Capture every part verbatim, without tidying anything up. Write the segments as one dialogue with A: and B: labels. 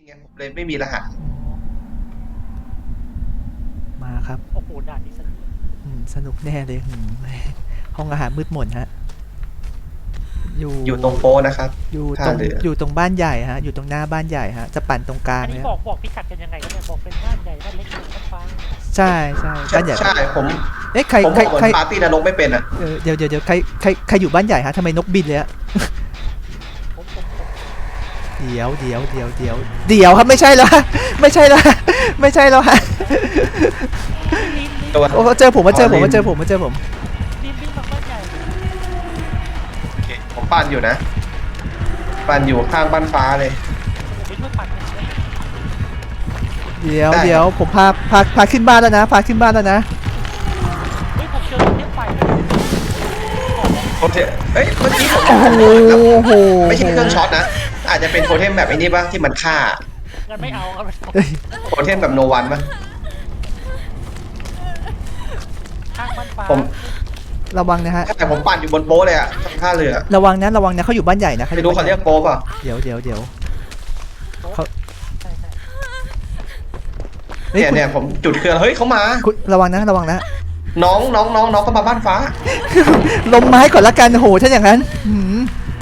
A: ไงผมเลยไม่มีรหัส
B: มาครับ
C: โอ้โหด่านนี้สนุก
B: อืมสนุกแน่เลยอืมห้องอาหารมืดมนฮะอยู่
A: อยู่ตรงโป๊นะครับ
B: อยู่ต
A: ท่า
B: รง
A: เรือ
B: อยู่ตรงบ้านใหญ่ฮะอยู่ตรงหน้าบ้านใหญ่ฮะจะปั่นตรงกลาง
C: อัน
B: เล
C: นี้
B: ย
C: บอกบอกพิกัดกันยังไงกันเนี่ยบอกเป็นบ้านใหญ่บ้านเล็กบ้านฟ้า
B: ใช่ใช่
A: ใช่
B: บ้านใหญ่
A: ใช่ผม
B: เอ๊ะใคร
A: ผม
B: ใค
A: บ
B: ร
A: อกเหมือ
B: ใคร
A: นปาร์ตี้นรกไม่เป็นอ่ะ
B: เออเดี๋ยวเดี๋ยวเดี๋ยวใครใครใครอยู่บ้านใหญ่ฮะทำไมนกบินเลยฮะ
C: ผมผมผม
B: เดี๋ยวเดี๋ยวเดี๋ยวเดี๋ยวเดี๋ยวครับไม่ใช่แล้วฮะไม่ใช่แล้วฮะไม่ใช่แล้วฮะ
C: ลินลิน
A: ตัว
B: โอ้เจอผมมาเจอผมมาเจอผมมาเจอผม
C: ลินลินมาบ้านใหญ่
A: โอเคผมปั่นอยู่นะ ปั่นอยู่ข้างบ้านฟ้าเลย
C: ผมไปช่วยปั่นกันเลย
B: เดี๋ยว
A: ได้
B: เดี๋ยวผมพาพาพาขึ้นบ้านแล้วนะพาขึ้นบ้านแล้วนะ
C: เฮ้ยผมเจอเทปไฟ
A: โอเคเอ้ยเมื่อกี้ผม
B: โอ้โหโอ้โห
A: ไม่ใช่เครื่องช็อตนะ อาจจะเป็นโทเทมแบบไอ้นี่ป่ะที่มันฆ่า
C: งั้นไม่เอาครับ
B: เอ้ย
A: โทเทมแบบโนวันป่ะ
C: ข้างบ้านฟ้า
A: ผม
B: ระวังนะฮะ
A: แต่ผมปั่นอยู่บนโป๊เลยอ่ะตรงท่าเรือ
B: ระวังนะระวังนะเขาอยู่บ้านใหญ่นะ
A: ไม่รู้เขาเรียกโป๊ป่ะ
B: เดี๋ยวเดี๋ยวเดี๋ยว เขา
C: ใช่ใช่
B: เฮ้ย
A: เนี่ย
B: คุณ
A: เนี่ยผมจุดเครื่องเฮ้ยเขามา
B: คุณระวังนะระวังนะ
A: น้องน้องน้องน้องก็มาบ้านฟ้า
B: ลมไม้ก่อนละกันโอ้โหถ้าอย่างนั้นหืม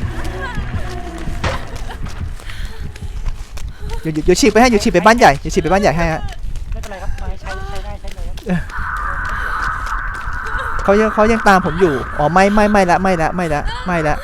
B: เดี๋ยวเดี๋ยวเดี๋ยวฉีกไปให้เดี๋ยวฉีกไปบ้านใหญ่เดี๋ยวฉีกไปบ้านใหญ่ให้ฮะ
C: ไม่เป็นไรครับไม้ใช้ใช้ได้ใช้เลยครับ
B: เขายังเขายังตามผมอยู่อ๋อไม่ไม่ไม่ละไม่ละไม่ละไม่ละ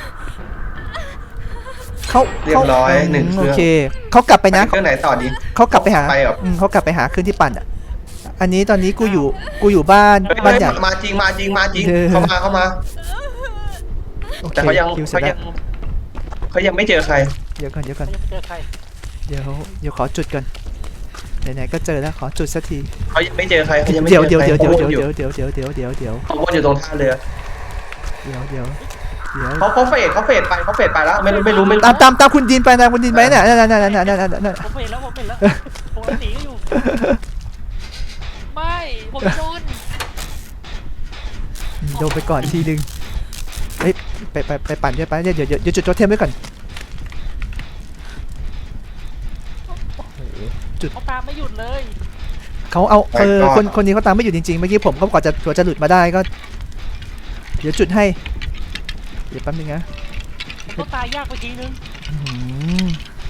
B: เขา
A: เรียบร้อยหนึ่งเครื่
B: โอ
A: อง
B: เคเขากลับไปนะ
A: เครื่องไหนต่อดี
B: เขากลับไปหา
A: ไปเหรอ
B: อืมเขากลับไปหาเครื่องที่ปั่นอ่ะอันนี้ตอนนี้กูอยู่กูอยู่บ้าน
A: เฮ้ย
B: บ้านใหญ่
A: มาจริงมาจริงมาจริง
B: เออ
A: เข้ามาเข้ามา
B: โอเค
A: แต่เขายัง
B: คิวเสร็
A: เขา
B: จแล้
A: ยั
B: ว
A: งเขายังไม่เจอใคร
B: เดี๋ยวก่อนเดี๋ยวก่อน
C: ยังไม่เจอใคร
B: เดี๋ยวเดี๋ยวขอจุดก่อนไหนๆก็เจอแล้วขอจุดสักที
A: เขายังไม่เจอใครเขายังไม่
B: เดี๋
A: เจ
B: ยว
A: อ
B: เดี๋ยว
A: ใคร
B: เดี๋ยวเดี๋ยว
A: เขาวนอยู่
B: เดี๋ยวเดี๋ยวเดี๋ยวเดี๋ยวเดี๋ยวเดี๋ยว
A: เขาวนอยู่ตรงท่าเรือ
B: เดี๋ยวเดี๋ยวเดี๋ยว
A: เขาเขาเฟดเขาเฟดไปเขาเฟดไปแล้วไม่รู้ไม่รู้ไม่รู้
B: ตามตามตามคุณดินไปตามคุณดินไปเนี่ยนั่นนั่นนั่นนั่นนั่นนั่นนั่น
C: ผมเห็นแล้วผมเห็นแล้วผมหนีอยู่ไม่ผมโดน
B: โดนไปก่อนทีนึงเฮ้ยไปไปไปปั่นด้วยไปเดี๋ยวเดี๋ยวเดี๋ยวจุดโจเทมไว้ก่อน
C: เขาตามไม่หยุดเลย
B: เขาเอาเออคนคนนี้เขาตามไม่อยู่จริงๆเมื่อกี้ผมก็กว่าจะกว่าจะหลุดมาได้ก็ เดี๋ยวจุดให้เดี๋ยวแป๊บนึงนะ
C: เขาตายยากไปทีนึง
B: อืม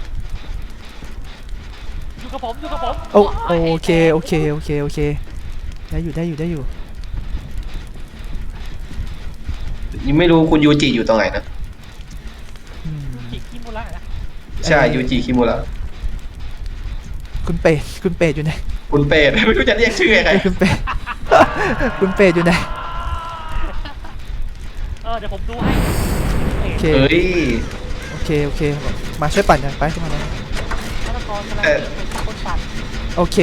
C: อยู่กับผมอยู่กับผม
B: โอโอเคโอเคโอเคโอเคได้อยู่ได้อยู่ได้อยู่
A: ยังไม่รู้คุณยูจิอยู่ตรงไหนนะ
B: อืม
C: จิกคิมุระนะ
A: ใช่ยูจิคิมุระ
B: คุณเปรตคุณเปรตอยู่ไหน
A: คุณเปรต ไม่รู้จะเรียกชื่อยังไง
B: คุณเปรต คุณเปรตอยู่ไหน
C: เออเดี๋ยวผมดูให้
B: โอเค
A: เฮ้ย
B: โอเคโอเคมาช่วยปั่นกันไปขึ้นมาเลย
C: ฆาตกรกำลัง
A: เอ่อ
C: เป็นคนปั่น
B: โอเค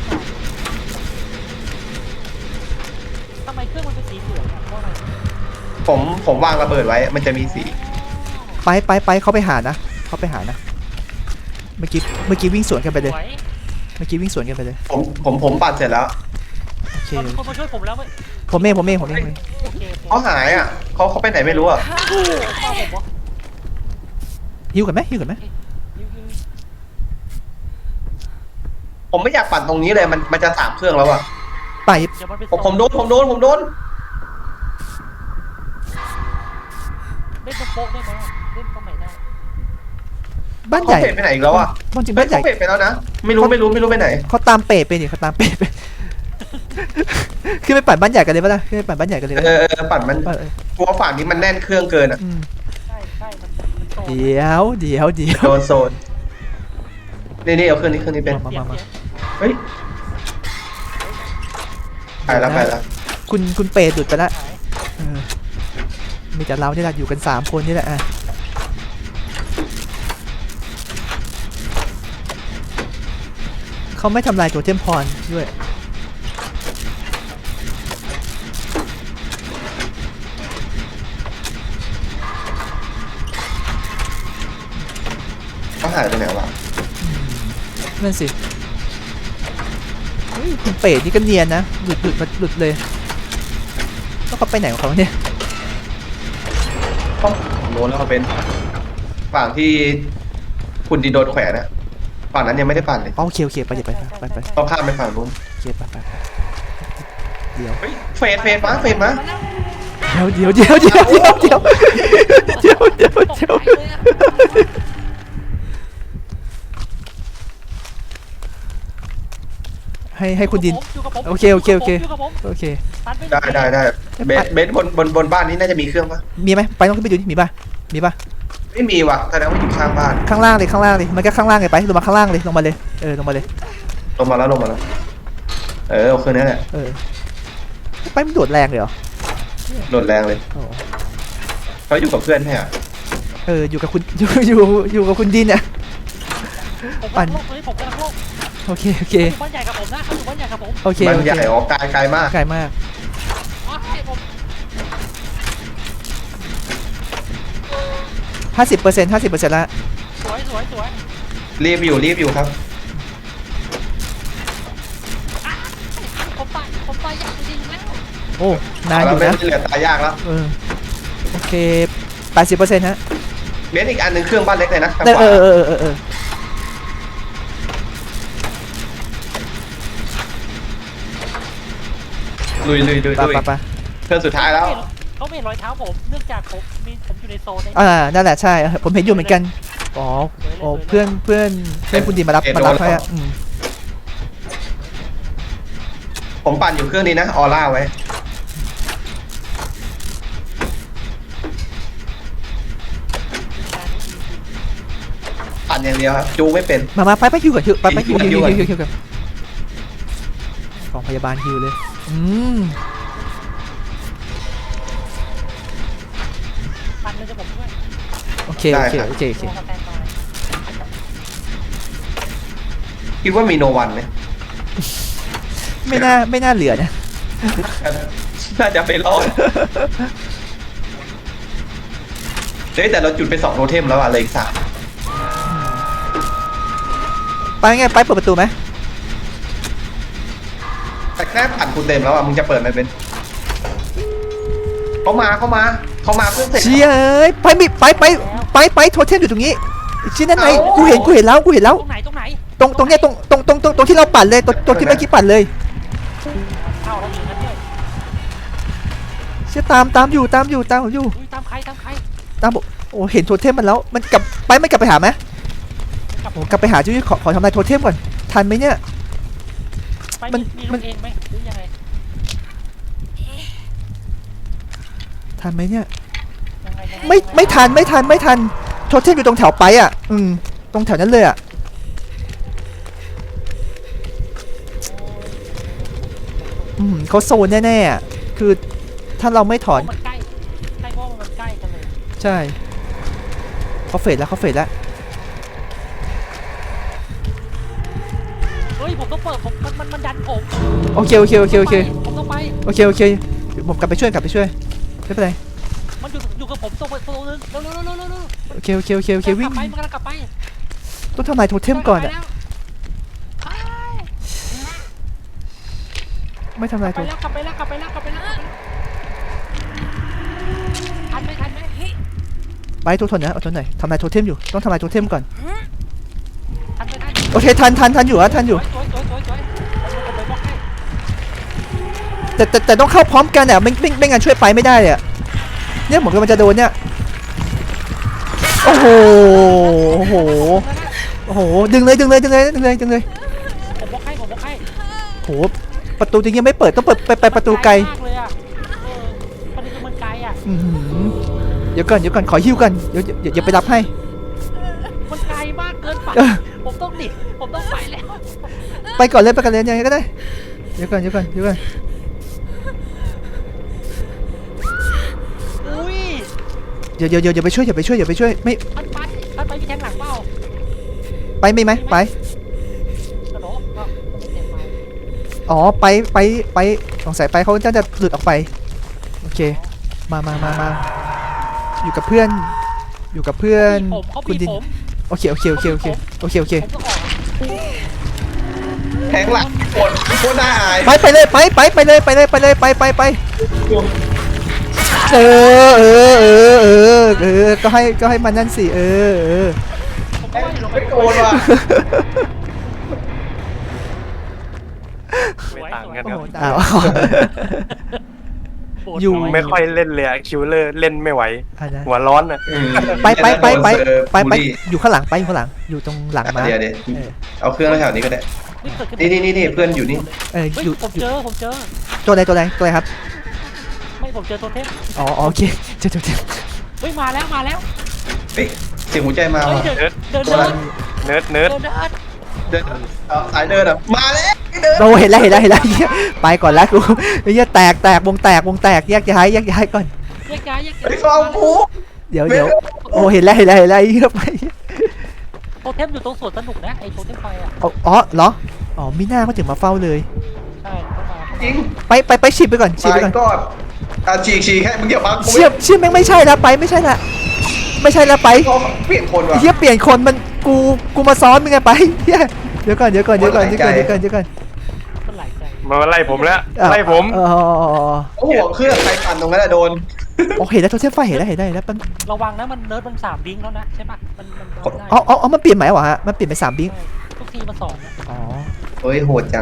C: ทำไมเครื่องมันเป็นสีเหลืองอ่ะเพราะอะไร
A: ผมผมวางระเบิดไว้ มันจะมีสี
B: ไปไปไปเขาไปหานะเขาไปหานะเมื่อกี้เมื่อกี้วิ่งสวนกันไปเลย
C: สวย
B: เมื่อกี้วิ่งสวนกันไปเลย
A: ผมผมผมปั่นเสร็จแล้ว
B: โอเค
C: มันมีคนมาช่วยผมแล้วไหม
B: ผมเองผมเองผมเองผมเอง
C: โอเคโอเค
A: เขาหายอ่ะเขาเขาไปไหนไม่รู้อ่ะ
C: เข้าผมวะ
B: ฮิวกันไหมฮิวกันไหม
C: ยิงยิง
A: ผมไม่อยากปั่นตรงนี้เลยมันมันจะสามเครื่องแล้วอ่ะ
B: ไป
C: เดี๋ยวมันไป
A: ผมผมโดนผมโดนผมโดน
C: เล่นตรงโป๊ะได้ไหมเล่นตรงไหนได้
B: บ้านให
A: เขา
B: ญ่
A: เฟดไปไหนอีกแล้วอ่ะ
B: บ้านจริง
A: เฮ้
B: บ้าย นใหญ่
A: เขาเฟดไปแล้วนะไม่รู้ไม่รู้ไม่รู้ไปไหน
B: เขาตามเปรตไปนี่เขาตามเปรตไป ขึ้นไปปั่นบ้านใหญ่กันเลยปะล่ะขึ้นไปปั่นบ้านใหญ่กันเลย
A: เอ
B: ปะ
A: อเออปั่นมัน
B: เออเออก
A: ลัวฝั่งนี้มันแน่นเครื่องเกินอ่ะ
B: อืม
C: ใช่ใช่มันมันโต
B: เดี๋ยวเดี๋ยวเดี๋ยว
A: โดนโซนนี่นี่เอาเครื่องนี้เครื่องนี้เป็น
B: มามามา
A: เฮ้ยไปแล้วไปแล้ว
B: คุณคุณเปรตหลุดไปแล้ว
C: หาย
B: เออมีแต่เรานี่แหละอยู่กันสามคนนี่แหละอ่ะเขาไม่ทำลายตัวเทมพรด้วย
A: เขาหายไปไหนวะ
B: นั่นสิเฮ้ยคุณเปรตนี่ก็เนียนนะหลุดหลุดมาหลุดเลยแล้วเขาไปไหนของเขาเนี่ย
A: ต้องโดนแล้วเขาเป็นฝั่งที่คุณดีโดนแขวนอะฝั่งนั้นยังไม่ได้ปั่นเลย
B: อ๋อโอเคโอเคไปเดี๋ยวไปไปไป
A: ต้องข้ามไปฝั่งนู้น
B: โอเคไปไปไปเดี๋ยว
A: เฮ้ยเฟดเฟดมาเฟดมา
B: เดี๋ยวเดี๋ยวเดี๋ยวเดี๋ยวเดี๋ยวเดี๋ยวเดี๋ยวเดี๋ยว
C: ตก
B: เดี๋ยว
C: ใจเลยอะ
B: ให้ให้คุณดิน
C: อยู่กับผม
B: โอเคโอเคโอเค
C: ยู่กับผม
B: โอเค
C: ตันป
A: ได้ได้ได้เบสเบสบนบนบนบ้านนี้น่าจะมีเครื่องปะ
B: มีไหมไปต้องขึ้นไปดูดิมีป่ะมีป่ะ
A: ไม่มีว่ะแสดงว่าอยู่ข้างบ้าน
B: ข้างล่างเลยข้างล่างเลยมันก็ข้างล่างเลยไปลงมาข้างล่างเลยลงมาเลยเออลงมาเลย
A: ลงมาแล้วลงมาแล้วเออเอาคืนนี้แหละ
B: เออไปมันโดดแรงเลยเหรอ
A: โดดแรงเลย
B: โอ้
A: เขาอยู่กับเพื่อนใช่ไหม
B: เอออยู่กับคุณอยู่อยู่อยู่กับคุณดินเนี่ย
C: ผม
B: ปั่
C: กำลั
B: น
C: งโลกตอนนี้ผมกำลังโลก
B: โอเคโอเค
C: อยู่บ้านใหญ่กับผมนะเขาอยู่บ้านใหญ่กับผม
B: โอเค
A: มัน
B: โอ
A: ให
B: เค
A: ญ่ออกไกลไกลมาก
B: ไกลมาก
C: อ๋อให้ผม
B: ห้าสิบเปอร์เซ็นต์ห้าสิบเปอร์เซ็นต์ละ
C: สวยสวยสวย
A: รีบอยู่รีบอยู่ครับ
C: ผมตายผมตายอยากจริงๆแล้ว
B: โอ้นานอ
A: แล้ว
B: ยู่
A: เบส
B: นะ
A: เหลือตายยากแล้ว
B: เออโอเคแปดสิบเปอร์เซ็นต์ฮะ
A: เบสอีกอันหนึ่งเครื่องบ้านเล็กเลยนะทาง
B: เออ
A: ข
B: เอ
A: วา
B: อเออเออเออ
A: ลุยลุยลุย
B: ไป
A: ลุย
B: ไปไป
A: เครื่องสุดท้ายแล้ว
C: เขาไม่เห็นรอยเท้าผมเนื่องจากผมมีผมอยู่ในโซนใน
B: อ่านั่นแหละใช่ผมเห็นอยู่เหมือนกันอ๋อโอ้เพื่อนเพื่อนเพื่อนคุณดินมารับมารับให้อ่ะอืม
A: ผมปั่นอยู่เครื่องนี้นะออร่าไว้ปั่นอย่างเดียวครับจูไม่เป็น
B: มามาไปไปฮิวก่อนฮิวไปไปฮิวฮิว
A: ฮิ
B: ฮิ
A: ว
B: ว
A: ก่อน
B: ฮิวฮิวกันกองพยาบาลฮิวเลยอืม
C: ปันเลยจะผมด้วย
B: โอเคโอเคโอเคโอเค
C: รอสแตนบาย
A: คิดว่ามีโนวันไหม
B: ไม่น่าไม่น่าเหลือนะ
A: น่าจะไปรอดเฮ้ยแต่เราจุดไปสองโทเทมแล้วอะเลยอีกสาม
B: ไปไงไปเปิดประตูไหม
A: แต่แค่ปั่นกูเต็มแล้วอะมึงจะเปิดไหมเป็นเขามาเขามาเขามาเครื่องเสร็จ
B: เชี่ยเอ้ยไปมิไปไปไปไปโทเทมอยู่ตรงนี้ชิ้นนั้นไงกูเห็นกูเห็นแล้วกูเห็นแล้ว
C: ตรงไหนตรงไหน
B: ตรงตรงเนี้ยตรงตรงตรงตรงตรงที่เราปั่นเลยตรงตรงที่เมื่อกี้ปั่นเลย
C: เข้าแล้วอยู่นั่นด้วย
B: เชี่ยตามตามอยู่ตามอยู่ตามอยู่
C: อุ้ยตามใครตามใคร
B: ตามบอกโอ้เห็นโทเทมมันแล้วมันกลับไปไม่กลับไปหาไหม
C: กลับ
B: โอ้กลับไปหาจุ้ยขอขอทำลายโทเทมก่อนทันไหมเนี่ย
C: ไป
B: มัน
C: มี
B: มั
C: ลู
B: น
C: กเองไหมหรือยังไง
B: ทันไหมเนี่ย
C: ยังไงยังง
B: ไม่ไม่ทันไม่ทันไม่ทันโทเทมอยู่ตรงแถวไปอ่ะอืมตรงแถวนั้นเลยอ่ะอืมเขาโซนแน่ๆอ่ะคือถ้าเราไม่ถอน
C: มันใกล้ใกล้เพราะว่ามันใกล้กันเลย
B: ใช่เขาเฟดแล้วเขาเฟดแล้ว
C: เฮ้ยผมต้องเปิดผมมันมันมันดันผม
B: โอเคโอเคโอเคโอเค
C: ผมต้องไป
B: โอเคโอเคเดี๋ยวผมกลับไปช่วยกลับไปช่วยไม่เป็นไร
C: มันอยู่อยู่กับผมตรงประตูนึงเร็วเร็วเร็วเร็วเร็วเร็ว
B: โอเคโอเคโอเคโอเควิ่ง
C: กลับไปมันกำลังกลับไป
B: ต้องทำลายโทเทมก่อนอ่ะ
C: ไป
B: ไม่ทำลายโท
C: แล้วกลับไปแล้วกลับไปแล้วกลับไปแล้วกลับไปแล้วทันไหมทันไหม
B: ไปทุกทนนะอดทนหน่อยทำลายโทเทมอยู่ต้องทำลายโทเทมก่อน
C: ทันไหมทัน
B: โอเคทันทันทันอยู่อะทันอยู่
C: สวยสวยสวยสวยผมไปบล็อกให้
B: แต่แต่แต่ต้องเข้าพร้อมกันอ่ะไม่ไม่ไม่งั้นช่วยไปไม่ได้เลยอะเนี่ยเหมือนกับมันจะโดนเนี่ยโอ้โหโอ้โหโอ้โหดึงเลยดึงเลยดึงเลยดึงเลยดึงเลย
C: ผมบล็อกให้ผมบล็อกให้
B: โอ้โหประตูจริงยังไม่เปิดต้องเปิดไปไปประตูไกล
C: มากเลยอ่ะเออประเด็นคือมันไกลอ่ะ
B: อื้อหือเดี๋ยวก่อนเดี๋ยวก่อนขอฮิ้วกันเดี๋ยวเดี๋ยวเดี๋ยวไปรับให้
C: มันไกลมากเกินไป
B: เออ
C: ผมต้องหนีผมต้องไปแล้ว
B: ไปก่อนเลยไปก่อนเลยยังไงก็ได้เดี๋ยวก่อนเดี๋ยวก่อนเดี๋ยวก่อน
C: อุ้ย
B: เดี๋ยวเดี๋ยวเดี๋ยวอย่าไปช่วยอย่าไปช่วยอย่าไปช่วยไม่
C: ทันไปทันไปมีแทงหลังเปล่า
B: ไปไม่ไหมไป
C: กระโดดก็ไม่เต็มไป
B: อ๋อไปไปไปสงสัยไปเขาจะจะหลุดออกไปโอเคมามามามาอยู่กับเพื่อนอยู่กับเพื่อน
C: ผมเขา
B: คุณ
C: บี
B: ดิน
C: ผม
B: โอเคโอเคโอเคโอเคโอเคโอเค
C: ผมต้องออก
A: แทงหลังโคตรโคตรน่าอาย
B: ไปไปเลยไปไปไปเลยไปเลยไปเลยไปไปไปเออเออเออเออเออก็ให้ก็ให้มันนั่นสิเออเออ
C: ผมเพราะว่าอยู่ลงไป
A: ไม่โกนว่ะ
C: สวย
D: ไม่ต่างกัน
B: โอ้
D: ครับ
B: โหอ้าว
C: โบด
B: อยู่
C: น้
D: ไม่ค่อยเล่นเลยอะคิวเลอร์เล่นไม่ไหว
B: อันนั้น
D: หัวร้อนอะ
A: อืม
B: ไปไปไปไป
A: โดนเซอร์
B: ไปไป
A: บูลลี่
B: อยู่ข้างหลังไปอยู่ข้างหลังอยู่ตรงหลังมา
A: เดี๋ยวเดี๋ยว
B: เออ
A: เอาเครื่องแถวนี้ก็ได้
C: นี่เกิดขึ้
A: นี่นี่นี่นี่เพื่อนอยู่นี่
B: เออ
C: เฮ้ย
B: อยู่
C: ผม
B: อยู่
C: เจอผมเจอ
B: ตัวใดตัวใดตัวใดครับ
C: ไม่ผมเจอโทเทม
B: อ๋ออ๋อโอเคเจอเจอเจอ
C: เฮ้ยมาแล้วมาแล้ว
A: เฮ้ยเสียงหัวใจมา
C: เฮ้ย
A: ว่ะ
C: เดินเดิน
A: ตัว
C: เดิ
A: นั้น
C: น
D: เนิร์ดเนิ
C: เดิ
D: ร์ด
C: นเดิน
A: เดินเอาสายเดินอ่ะมาแล้วเดิน
B: โอ้เห็นแล้วเห็นแล้วเห็นแล้วเหี้ยไปก่อนแล้วกูไอ้เหี้ยแตกแตกวงแตกวงแตกแยกย้ายแยกย้ายก่อน
C: แยกย้ายแยกย้า
A: ไอ้
C: ย
A: ฟองกู
B: เดี๋ยวเดี๋ยวโอ้เห็นแล้วเห็นแล้วเห็นแล้วไอ้เหี้ยไป
C: โทเทมอยู่ตรงสวนสนุกนะไอ้โทเทมไฟอ่ะ
B: อ๋ออ๋อเหรออ๋อมีหน้าเขาถึงมาเฝ้าเลย
C: ใช่เข้ามาเข้า
A: จริง
C: มา
B: ไปไปไปฉีดไปก่อนฉีด
A: ไป
B: ไปก่อน
A: ก่อนอ่ะฉีกฉีกแค่มึงอย่าบังกู
B: เชี่ยเชี่ยแม่งไม่ใช่ละไปไม่ใช่ละไม่ใช่ละไป
A: เปลี่ยนคน
B: ไอ้
A: ว่ะ
B: เหี้ยเปลี่ยนคนมันกูกูมาซ้อนมึงไงไปเหี้ยเดี๋ยวก่อนเดี๋ยวก่อนเดี๋ยวก่อนเดี๋ยวก่อนเดี๋ยวก่อนเดี๋ยวก่อน
C: มันหลายใจ
D: มาไล่ผมแล้ว
B: อ้าว
D: ไล่ผม
B: อ๋อ
A: โอ้โหเครื่องใครปั่นตรงนั้นอะโดน
B: โอเคแล้วโทรเทมไฟเห็นแล้วเห็นแล้วเห็นแล้วมัน
C: ระวังนะมันเนิร์ดมันสามบิงแล้วนะใช่ปะมันมันโดนได้
B: อ๋ออ๋ออ๋อมันเปลี่ยนไหมวะฮะมันเปลี่ยนเป็นสามบิ๊ก
C: ใช่ทุกทีมันสองนะ
B: อ๋อ
A: เฮ้ยโหดจัง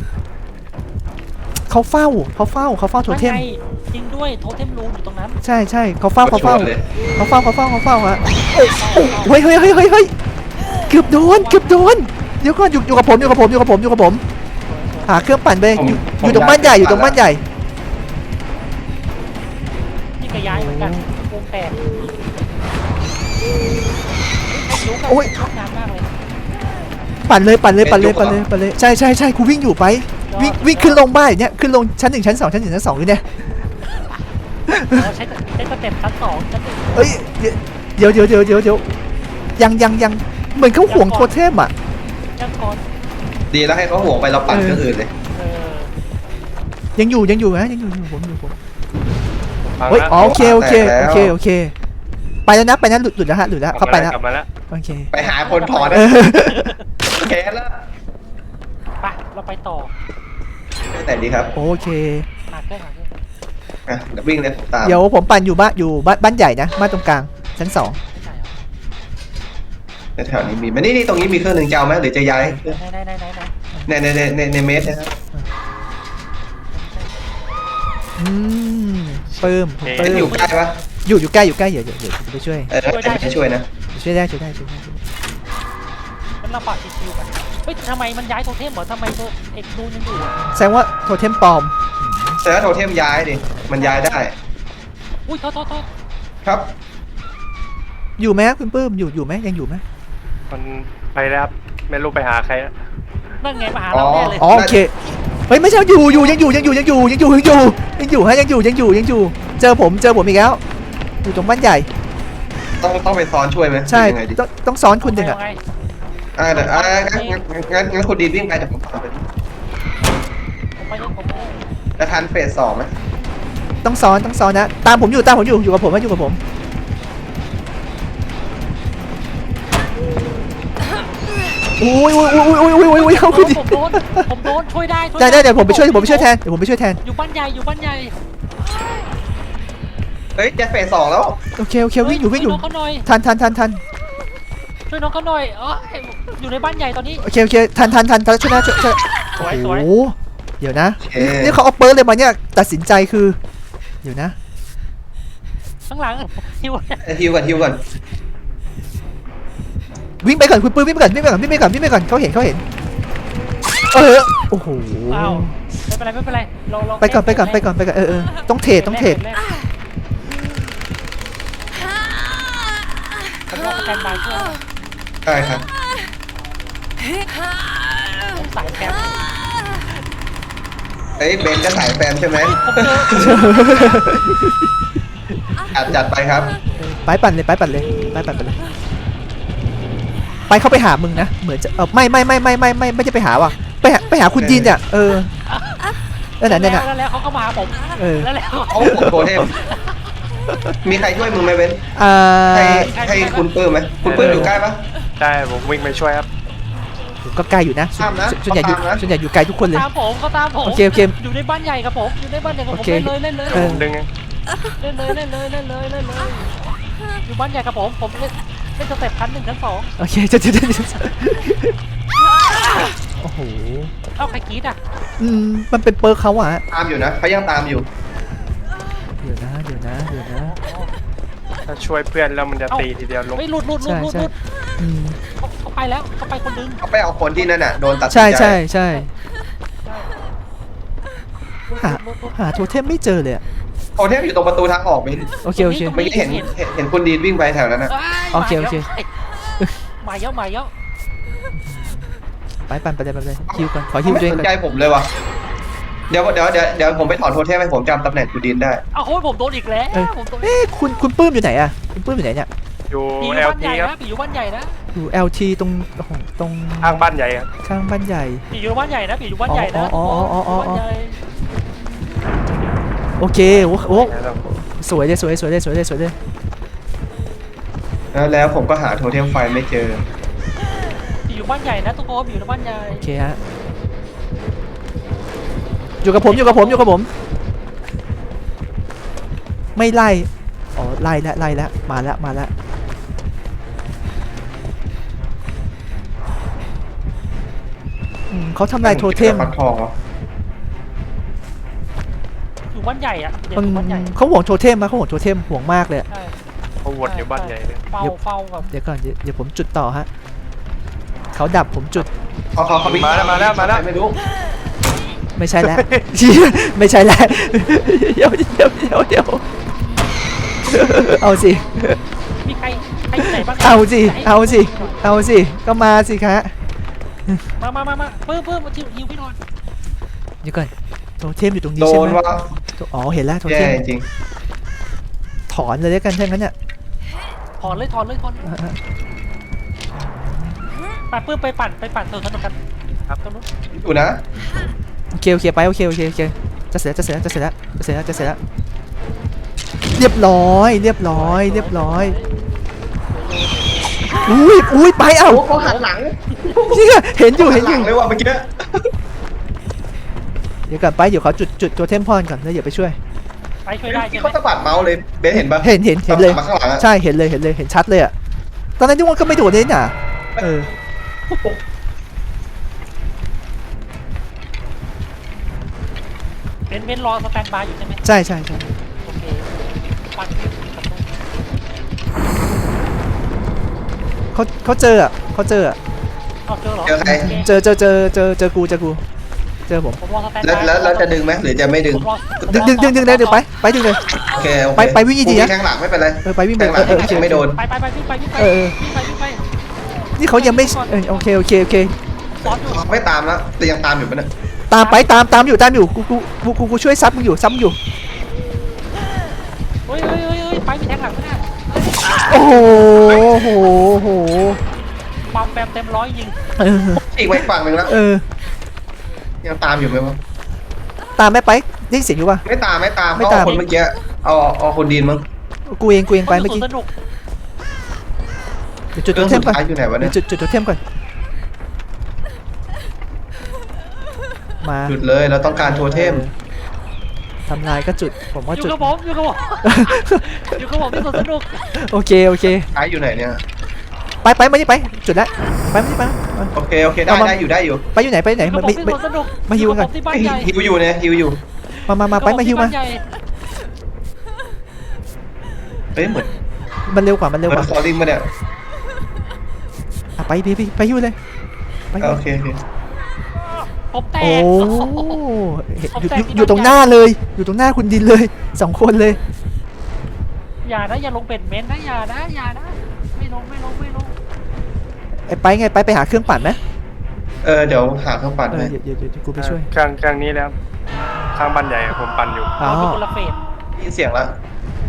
B: เขาเฝ้าเขาเฝ้าเขาเฝ้าโทเทม
C: นั่นไงจริงด้วยโทเทมรูมอยู่ตรงนั้น
B: ใช่ใช่เขาเฝ้าเขาเฝ้า
A: เลย
B: เขาเฝ้าเขาเฝ้าเขาเฝ้าฮะเฮ้ยเฮ้ยเฮ้ยเฮ้ยเฮ้ยเกือบโดนเกือบโดนเดี๋ยวก่อนอยู่อยู่กับผมอยู่กับผมอยู่กับผมอยู่กับผมหาเครื่องปั่นไปอยู่อยู่ตรงบ้านใหญ่อยู่ตรงบ้านใหญ่
C: นี่ก็ย้ายเหมือนกันวงแตกรู้กัน
B: โอ้ย
C: ชอบนานมากเลย
B: ปั่นเลยปั่นเลยปั่นเลยปั่นเลยปั่นเลยใช่ใช่ใช่กูวิ่งอยู่ไปวิ่งวิ่งขึ้นลงบ้านอย่างเนี้ยขึ้นลงชั้นหนึ่งชั้นสองชั้นหนึ่งชั้นสองอยู่เนี่ย
C: เราใช้ใช้สเต็ปชั้นสองชั้นหนึ่ง
B: เอ้ยเดี๋ยวเดี๋ยวเดี๋ยวเดี๋ยวเดี๋ยวยังยังยังเหมือนเขาห่วงโทเทมอ่ะ
C: ยังก่อน
A: ดีแล้วให้เขาห่วงไปเราปั่นเครื่องอื่นเลย
C: เออ
B: ยังอยู่ยังอยู่นะยังอยู่อยู่ผมอยู่ผม
D: ฟัง
B: เฮ้ย
D: นะ
B: อ๋อโอเคโอเคโอเคโอเคไปแล้วนะไปนะหลุดหลุดแล้วฮะหลุดแล้วเขาไปแล้ว
D: กลับมาแล้ว
B: โอเค
A: ไปหาคนถอน
B: เออ
A: แค้นแล้ว
C: ไปเราไปต่อ
A: ไปไหนดีครับ
B: โอเค
C: หาเครื่องหาเครื่อง
A: อ่ะเดี๋ยววิ่งเลยผมตาม
B: เดี๋ยวผมปั่นอยู่บ้านอยู่บ้านบ้านใหญ่นะบ้านตรงกลางชั้นสอง
C: ไม่ใช่เหรอ
A: ในแถวนี้มีมานี่นี่ตรงนี้มีเครื่องหนึ่งจะเอาไหมหรือจะย้าย
C: ไหนไหนไหนไหนไหน
A: ในในในในในเมสนะครับ
B: อืมเปิ่มผมเปิ่
A: จะ
B: ม
A: อยู่ใกล้ปะ
B: อยู่อยู่ใกล้อยู่ใกล้เดี๋ยวเดี๋ยวเดี๋ยวผมไปช่วย
A: เออจะช่วยนะ
B: ช่วยได้ช่วยได้ช่วยได้ช่วยได้
C: มันลำบากชิวๆกันเฮ้ยทำไมมันย้ายโทเทมเหรอทำไมโทเอ็กดูยังอยู่อะ
B: แสดงว่าโทเทมปลอม
A: แต่ถ้าโทเทมย้ายดิมันย้ายได้
C: อุ้ยโทษโทษโทษ
A: ครับ
B: อยู่ไหมครับคุณปื้มอยู่อยู่ไหมยังอยู่ไหม
D: มันไปแล้วครับไม่รู้ไปหาใครแล้ว
C: นั่นไงมาหาเราแน่เลย
B: อ๋อโอเคเฮ้ยไม่ใช่อยู่อยู่ยังอยู่ยังอยู่ยังอยู่ยังอยู่ยังอยู่ยังอยู่ฮะยังอยู่ยังอยู่ยังอยู่ เจอผมเจอผมอีกแล้วอยู่ตรงบ้านใหญ่
A: ต้องต้องไปซ้อนช่วยไหม
B: ใช่
A: ยังไงดี
B: ต้องต้องซ้อนคุณหนึ่งอ่ะ
C: เอาไง
A: อ่าเดี๋ยวอ่างั้นงั้นงั้นงั้นคุณดีวิ่งไปเดี๋ยวผมตามไป
C: ผมไปเลยผมไปเลย
A: จะทันเฟสสองไหม
B: ต้องซ้อนต้องซ้อนนะตามผมอยู่ตามผมอยู่อยู่กับผมนะอยู่กับผมอุ้ยอุ้ยอุ้ยอุ้ยอุ้ยอุ้ยอุ้ยเขาคุณดิ
C: ผมโดนผมโดนช่วยได้ช่วย
B: ได้ได้เดี๋ยวผมไปช่วยเดี๋ยวผมไปช่วยแทนเดี๋ยวผมไปช่วยแทน
C: อยู่บ้านใหญ่อยู่บ้านใหญ่
A: เฮ้ยจะเฟสสองแล้ว
B: โอเคโอเควิ่งอยู่วิ่งอยู่
C: ช่วยน้องเขาหน่อย
B: ทันทันทันทัน
C: ช่วยน้องเขาหน่อยเอออยู่ในบ้านใหญ่ตอนนี้
B: โอเคโอเคทันทันทันทันช่วยนะช่วยช่วย
C: สวยส
B: โอ้
C: วย
B: โหเดี๋ยวนะ
A: โอเค
B: นี่เขาเอาเปิร์เลยมาเนี่ยตัดสินใจคือเดี๋ยวนะ
C: ข้างหลังฮิว
A: เอ้ยฮิวก่อนฮิวก่อน
B: วิ่งไปก่อนคุณปื้มวิ่งไปก่อนวิ่งไปก่อนวิ่งไปก่อนวิ่งไปก่อนเขาเห็นเขาเห็นเออโอ้โห
C: อ้าวไม่เป็นไรไม่เป็นไรเราเรา
B: ไปก่อนไปก่อนไปก่อนไปก่อนเออเออต้องเทรดต้องเทรด
C: ผมรอสแตนบายช่วย
A: ได้ครับ
C: ผมสายแคม
A: เอ้ยเบนจะสายแฟนใช่ไหม
C: ผมเจอ
A: จัดจัดไปครับ
B: ไปปั่นเลยไปปั่นเลยไปปั่นไปเลยไปเขาไปหามึงนะเหมือนจะเออไม่ไม่ไม่ไม่ไม่ไม่ไม่จะไปหาว่ะไปหาไปหาคุณยินเนี่ยเออนั่นน่ะนั่นน่ะ
C: แล้วแล้วเขาก็มาหาผม
B: เออ
C: แล้วแล้ว
A: เขาห่วงโทเทมมีใครช่วยมึงไหมเว้น
B: อ่า
A: ให้ให้คุณปื้มไหมคุณปื้มอยู่ใกล้ปะ
D: ใช่ผมวิ่งไปช่วยครับ
B: ผมก็ไกลอยู่นะส่วน
A: ตามนะ
B: ส่วนใหญ่อยู่
A: ตามนะ
B: ส่วนใหญ่อยู่ไกลทุกคนเลย
C: ตามผมเขาตามผม
B: โอเคโอเค
C: อยู่ในบ้านใหญ่ครับผมอยู่ในบ้านใหญ่กับผม
B: โอเค
C: เล่นเลยเล่นเลย
B: เออ
D: ผมดึงเอง
C: เล่นเลยเล่นเลยเล่นเลยเล่นเลยอยู่บ้านใหญ่กับผมผมเล่นเล่นสเต็ปชั้นหนึ่งชั้นสอง
B: โอเคจะจะจะโอ้โห
C: เอ้าใครกรีดอ่ะ
B: อืมมันเป็นเปิร์กเขาอะ
A: ตามอยู่นะเขายังตามอยู่
B: เดี๋ยวนะเดี๋ยวนะเดี๋ยวนะ
D: ถ้าช่วยเพื่อนแล้วมันจะตีทีเดียวลง
C: เฮ้ยหลุดหลุดหลุด
B: ใช่
C: หลุด
B: ใช่
C: หลุด
B: อืม
C: เขาเขาไปแล้วเขาไปคนนึง
A: เขาไปเอาคนที่นั่นน่ะโดนตัดสิน
B: ใช่
A: ใจ
B: ใช่ใช่
C: หลุด
B: หา
C: หลุดหลุด
B: หาโทเทมไม่เจอเลยอะ
A: โอเทมอยู่ตรงประตูทางออกมิ้น
B: โอเคโอเค
A: ไม่เห็นเห็นเห็นคุณดีนวิ่งไปแถวนั้นนะ
B: โอเคโอเค
C: มาเยอะมาเยอะ
B: ไปปั่นไปเลยไปเลยฮิวก่อนขอฮิว
A: ไม่
B: ตัวเอง
A: สน
B: ก่อน
A: ใจผมเลยว่ะเดี๋ยวเดี๋ยวเดี๋ยวเดี๋ยวผมไปถอนโทเทมให้ผมจำตำแหน่งคุณดีนได้
C: เอาโค้ยผมโดนอีกแล้ว
B: เอ้ย
C: ผมโดน
B: เอ๊ะคุณคุณปื้มอยู่ไหนอะคุณปื้มอยู่ไหนเนี่ย
D: อยู่
C: ผีอยู่
D: เอล
C: บ้านให
D: ที
C: ญ่
D: ครับ
C: นะผีอยู่บ้านใหญ่นะ
B: อยู่ แอล ที ตรงตรง
D: ข้างบ้านใหญ่ครับ
B: ข้างบ้านใหญ่
C: ผีอยู่บ้านใหญ่นะผีอยู่บ้านใหญ่นะ
B: อ๋ออ๋ออ๋ออ๋ออ๋อ
C: บ้านใหญ่
B: โอเคโอ้โห
D: แล้ว
B: สวยเลยสวยสวยเลยสวยเลยสวยเลย
A: แล้วแล้วผมก็หาโทเทมไฟไม่เจอ
C: ผีอยู่บ้านใหญ่นะทุกคนผีอยู่บ้านใหญ่
B: โอเคฮะอยู่กับผมอยู่กับผมอยู่กับผม ไม่ไล่อ๋อไล่แล้วไล่แล้วมาแล้วมาแล้วอืมเขาทำลายโทเทม
A: ฟักทองเหรอ
C: อยู่บ้านใหญ่อะเด็ก
B: มัน
C: อยู่บ้านใหญ่
B: เขาห่วงโทเทมนะเขาห่วงโทเทมห่วงมากเลยอะ
C: ใช่
D: เขาวนอยู่บ้านใหญ่เลย
C: เฝ้าเฝ้าแบบ
B: เดี๋ยวก่อนเดี๋ยวเดี๋ยวผมจุดต่อฮะเขาดับผมจุด
A: เขาเขาเขาวิ่ง
D: มาแล้วมาแล้วมาแล้ว
A: ไม่รู้
B: ไม่ใช่แล้ว ไม่ใช่แล้วเดี๋ยวเดี๋ยวเดี๋ยวเดี๋ยวเอาสิ
C: มีใครใครอยู่ไหนบ้าง
B: เอาสิเอาสิเอาสิก็มาสิคะ
C: มามามามาเพิ่มเพิ่มมาทิวฮิวพี่นอน
B: เดี๋ยวก่อนโทเทมอยู่ตรงนี้
A: โด
B: ใช่
A: น
B: ไหม
A: ว่า
B: อ๋อเห็นแล้วโทเท
A: แย่
B: ม
A: จริง
B: ถอนเลยแล้วกันถ้างั้นเนี่ย
C: ถอนเลยถอนเลยถอนเลย
B: อ่ะอ่ะ
C: ไปเพิ่มไปปั่นไปปั่นตัวสนุกกันครับตรงนู้น
A: อยู่นะ
B: โอเคโอเคไปโอเคโอเคโอเคจะเสร็จแล้วจะเสร็จแล้วจะเสร็จแล้วจะเสร็จแล้วจะเสร็จแล้วเรียบร้อยเรียบร้อยเรียบร้อยอุ้ยอุ้ยไปเอ้า
A: โอ้เขาหันหลัง
B: เนี่ยเห็นอยู่เห็นอ
A: หลั
B: ยู่
A: งเลยว่ะเมื่อกี้
B: เดี๋ยวก่อนไปเดี๋ยวเขาจุดจุดตัวเทมพอนก่อนแล้วเดี๋ยวไปช่วย
C: ไปช่วยได้ใช่
A: ที่
C: ไหม
A: เขาสะบัดเมาส์เลยเบสเห็นปะ
B: เห็นเห็นเห็นเลย
A: มาข้างหลังอะ
B: ใช่เห็นเลยเห็นเลยเห็นชัดเลยอะตอนนั้นที่ว่าก็ไม่โดดเลยน่ะเออ
C: เป็นเว้นรอสแตนบายอยู่ใช่ไหม
B: ใช่ใช่ใช่
C: โอเคปั่นกับนู้น
B: เขาเขาเจออะเขาเจออะ
C: เอาเจอเหรอ
A: เจอใคร
C: โอเค
B: เจอเจอเจอเจอเจอกูเจอกูเจอผม
C: ผมรอสแตน
A: แล้ว
C: บาย
A: แล้วแล้วจะดึงไหมหรือจะไม่ดึง
C: ผมรอ
B: ดึงดึงดึงดึงเลยเดี๋ยวไปไปดึงเลย
A: โอเคโอเค
B: ไปไปวิ่งดีๆนะ
A: แทงหลังไม่เป็นไร
B: เออไปวิ่งไป
A: แทงหลั
B: เอง อเออโอเค
A: ไม่โดน
C: ไปไปไปวิ่งไปวิ่งไป
B: เออ
C: วิ่งไปวิ่งไป
B: นี่เขายังไม่เออโอเคโอเคโอเค
C: ซ้อนอยู่
A: ไม่ตามแล้วแต่ยังตามอยู่ปะเนี่ย
B: ตามไปตามตามอยู่ตามอยู่กูกูกูกูกูช่วยซับมึงอยู่ซับมึงอยู่
C: เฮ้ยเฮ้ยเฮ้ยเฮ้ยไปมีแทงหลังไหมเนี่ย
B: โอ้โหโอ้โหโอ้โห
C: ปั๊มแปมเต็มร้อยยิง
B: เออ
A: อีกไปฝั่งหนึ่งแล้ว
B: เออ
A: ยังตามอยู่ไหมวะ
B: ตามแม่ไปได้ยินเสียงอยู่ป่ะ
A: ไม่ตามไม่ตาม
B: ไม่
A: เขา
B: ตาม
A: เอาคนเมื่อกี้เอาเอาคนดีนมั้ง
B: กูเองกูเองไปเมื่อกี้
C: สนุก
B: เดี๋ยวจุด
A: เค
B: ตั
A: รื่
B: ว
A: อง
B: เทมก่อน
A: สุดท้ายอยู่ไหนวะ
B: เดี๋
A: เนี่ย ยว
B: จุดจุดตัวเทมก่อนมา
A: หยุดเลยเราต้องการโทเทม
B: ทำลายก็จุดผมว่า
C: อยู่
B: จุด
C: กับผมอยู่กับผมอยู่กับผมที่สวนสนุก
B: โอเคโอเค
A: ท้ายอยู่ไหนเนี่ย
B: ไปไปมานี่ไปจุดแล้วไปมานี่ไปมา
A: โอเคโอเคได้
B: เอามา
A: ได้อยู่ได้อยู่
B: ไปอยู่ไหนไปไหน
C: อยู่
B: มา
C: กับผม
B: ไม่
C: ที่
B: ไม่
C: สวนสนุก
B: มาฮิวกัน
C: อยู่บผมที่บ้านใหญ่
A: ฮิวอยู่เนี่ยฮิวอยู่
B: มามามาไปมาฮิวมา
C: อยู่กับผที่บ้นใหญ่
A: เฮ้ยเหมือน
B: มันเร็วกว่ามัน
A: เห
B: เร็ว
A: มื
B: ก
A: อน
B: ว่า
A: ฟอร์ลิงมาเนี่ย
B: อ่ะไปพี่พี่ไปฮิวเลยไปฮิว
A: โอเคโอเค
C: ผมแต
B: โอ้
C: ก
B: เห็น
C: ผม
B: อยู่
C: แตก
B: อยู่อยู่ตรงหน้าเลย อยู่ตรงหน้าคุณดินเลยสองคนเลย
C: อย่านะอย่าลงเป็ดเม้นนะอย่านะอย่านะไม่ลงไม่ลงไม่ลง
B: ไอ้ไปไงไปไปหาเครื่องปั่นไหม
A: เออเดี๋ยวหาเครื่องปั่น
B: เออ
A: ให้
B: เดี๋ยวเดี๋ยวเดี๋ยวกูไปช่วย
D: เครื่องเครื่องนี้แล้วข้างบ้านใหญ่ผมปั่นอยู่
B: อ๋อ
C: เราเป็นคนละเฟส
A: ได้ยินเสียงแล้ว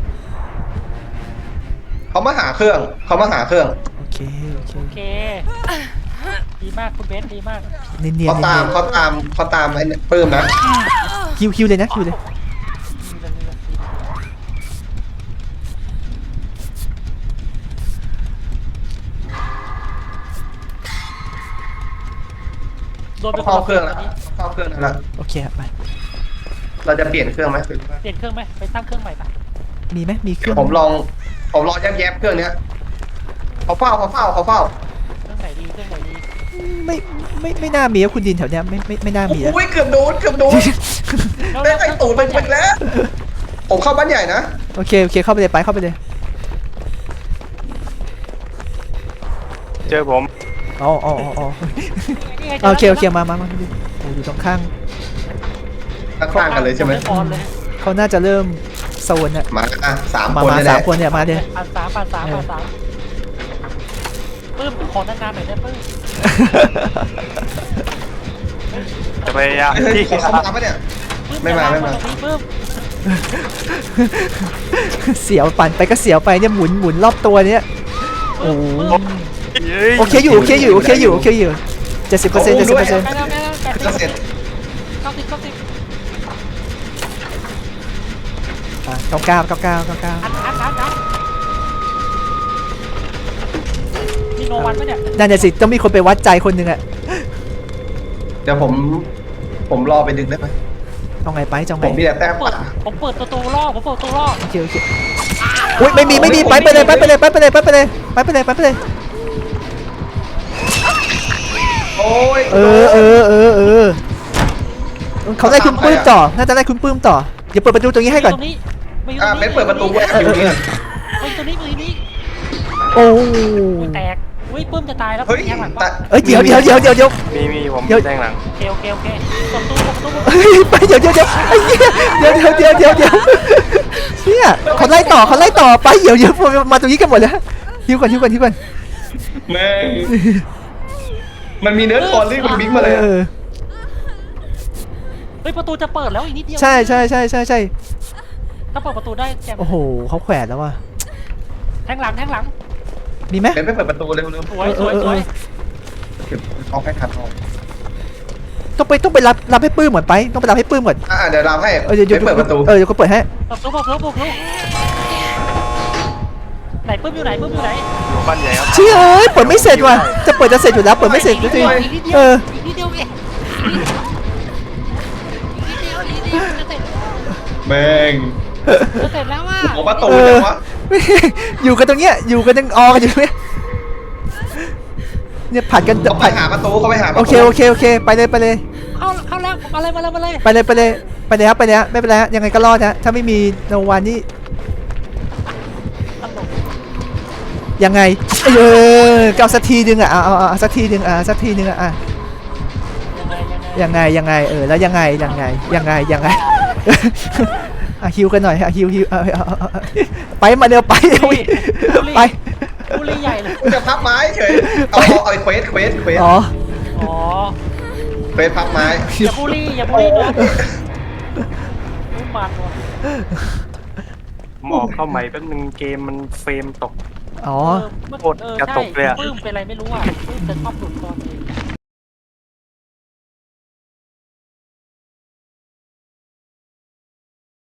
A: เขามาหาเครื่องเขามาหาเครื่อง
B: โอเคโอเค
C: โอเคดีมากคุณเบนดีมาก
B: เนียนเนียน
A: เขาตามเขาตามเขาตามไอ้เนี่ยปื้มนะ
B: คิวคิวเลยนะคิวเลย
C: โดนไป
A: เขา
C: คน
A: เข้า
C: ละ
A: เค
C: เฟ
A: รื่องแล้ว
C: สตอนนี้
A: เข้าเครื่องนั่นแล้ว
B: โอเคครับไป
A: เราจะเปลี่ยนเครื่องไหม
C: เปลี่ยนเครื่องไหมไปตั้งเครื่องใหม่ปะ
B: มีไหมมีเครื่อง
A: ผมลองผมลองแยบๆเครื่องเนี้ยเขาเฝ้าเขาเฝ้าเขาเฝ้า
C: เครื่องไหนดีเครื่องไหนดี
B: ไม่ไม่ไม่น่ามีอะคุณดินแถวเนี้ยไม่ไม่ไม่น่ามีอะ
A: โอ้ยเกือบโดนเกือบโดน
C: แล้ว
A: ได้ไอ้ตูดไปไปแล้ว ผมเข้าบ้านใหญ่นะ
B: โอเคโอเคเข้าไปเลยไปเข้าไปเลย
D: เจอผม
B: อ๋ออ๋ออ๋ออ๋อ
C: นี่ไง
B: โอเคโอเคมามามาคุณดินโอ้อยู่ตรงข้าง
A: ข้างๆกันเลยใช่ไหม
C: ออนเลย
B: เขาน่าจะเริ่มโซนอะ
A: มาอ่ะสาม
B: มา
A: คน
B: มา
A: เลย
B: สา
A: แห
B: ม
A: ละ
B: คนเนี่ยมาเลย
C: ปันสามปันสามปันสามปื้มขอนานๆหน่อยได้ปื้ม
D: จะพยายาม
A: เฮ้ย
D: ที่
A: ขอเข้ามาปะเนี่ย
C: ปื้ม
A: ไม่มาไม่มา
C: ตรงนี้ปื้ม
B: เสียวปั่นไปก็เสียวไปเนี่ยหมุนหมุนรอบตัวเนี้ยโอ้โห โอเคอยู่โอเคอยู่โอเคอยู่โอเคอยู่เจ็ดสิบเปอร์เซ็นต์เจ็ดสิบเปอร์เซ็นต์
C: ใกล้แล้วใกล้แล้วแปดสิบ
A: จะเสร็จ
C: เก้าสิบเก้าสิบ
B: เก้าเก้าเก้าเก้าเก้าเก้า
C: อันอันอันอันมีโนวันไหมเนี่ย
B: นั่นน่ะสิต้องมีคนไปวัดใจคนหนึ่งอะ
A: เดี๋ยวผม ผมรอไปดึงได้ไหม
B: เอาไงไปจะเอา
A: ผ
B: ไง
A: มมีแต่แต้ม
C: เปิด
A: ป่า
C: ผมเปิดประตูล่อผมเปิดประตูล่อ
B: โอเคโอเคอุ้ยไม่มีไม่มีไปไปเลยไปไปเลยไปไปเลยไปไปเลยไปไปเลยไปไปเลย
A: โอ้ย
B: เออเออเออเออเขาได้คุณปื้มต่อน่าจะได้คุณปื้มต่อเดี๋ยวเปิดประตูตรงนี้ให้ก่อน
C: ตรงนี้มาอยู่ต
A: อ่ะ
C: รงนี้
A: เบนเปิดประตูไว้อยู่นี่
C: มาอยู่ตรงนี้มาอยู่นี้
B: โอ้
C: อุ้ยแตกอุ้ยปื้มจะตายแล้ว
A: เฮ้ย
C: แย่งหลัง
A: แต่
C: ปะ
B: เอ้ยเดี๋ยวเดี๋ยวเดี๋ยวเดี๋ยวเดี๋ยว
D: มีมีผม
B: เดี๋ยว
D: แทงหลัง
C: โอเคโอเคโอเคเปิดประตูเปิดประตู
B: เฮ้ยไปเดี๋ยวเดี๋ยวเดี๋ยวไอ้เหี้ยเดี๋ยวเดี๋ยวเดี๋ยวเดี๋ยวเดี๋ยวเนี่ยเขาไล่ต่อเขาไล่ต่อไปเดี๋ยวเดี๋ยวมาตรงนี้กันหมดแล้วฮิวก่อนฮิวก่อนฮิวก่อน
A: แม่งมันมีเนื้อคอนรีบมันบิ๊กมาเลยอะ
B: เออ
C: เฮ้ยประตูจะเปิดแล้วอีกนิดเดียว
B: ใช่ใช่ใช่ใช่ใช่
C: ถ้าเปิดประตูได้แจม
B: โอ้โหเขาแขวนแล้วว่ะ
C: แทงหลังแทงหลัง
B: มีไหม
A: เบนไปเปิดประตูเร็ว
C: สวยสวยสวย
A: ๆเก็บเอาให้ทันเอา
B: ต้องไปต้องไปรับรับให้ปื้มก่อนไปต้องไปรับให้ปื้มก่อน
A: อ่ะเดี๋ยวเราให้
B: เออเดี๋ยว
A: เบนเปิดประตู
B: เออเดี๋ยวก็เปิดให้
C: เปิดประตูเปิดประตูเปิดประตูไหนปื้มอยู่ไหนปื้มอยู่ไหน
D: อยู่บ้านใหญ่ครับ
B: เชี่ยเอ้ยเปิดไม่เสร็จว่ะจะเปิดจะเสร็จอยู่แล้วเปิดไม่เสร็จสักที
C: อีกนิดเดียว
B: เออ
C: อีกนิดเดียวเองอีกนิดเดียวอีกนิดเดียวจะเสร็จ
A: แม่ง
C: จะเสร็จแล้วว่า
A: โอ้ประตู
B: เอ
A: จั
B: อง
A: วะ
B: อยู่กันตรงเนี้ยอยู่กันยังออกันอยู่เนี่ยเนี่ยผัดกัน
A: เขาไป
B: ผัด
A: หาประตูเขาไปหาประตู
B: โอเคโอเคโอเคไปเลยไปเลย
C: เข้าเข้าแล้วมาเลยมาเลยมาเลย
B: ไปเลยไปเลยไปเลยครับไปเลยฮะไม่เป็นไรฮะยังไงก็รอดฮะถ้าไม่มีโนวันนี่
C: ตลก
B: ยังไงเออก็เอาสักทีนึงอ่ะเอาเอาเอาสักทีนึงอ่ะสักทีนึงอ่ะอ่ะ
C: ยังไงยังไง
B: ยังไงยังไงเออแล้วยังไงยังไงยังไงยังไง อ่ะฮิวกันหน่อยอ่ะฮิวฮิวเอาเอาเอาเอาไปมาเร็วไปเร็วไป
C: บุรีใหญ่เลย
A: กูจะพับไม้เฉยเอาเอาเอาเควสเควสเควส
B: อ๋อ
C: อ๋อ
A: เควสพับไม้
C: อย่าบุรีอย่าบุรีนะรู้มันว่ะ
D: หมอกเข้าใหม่แป๊บนึงเกมมันเฟรมตก
B: อ๋อ
C: เออ
D: โคตรกระตุกเลยอะ
C: ปื้มเป็นอะไรไม่รู้อ่ะปื้มจะชอบหลุดตอนนี้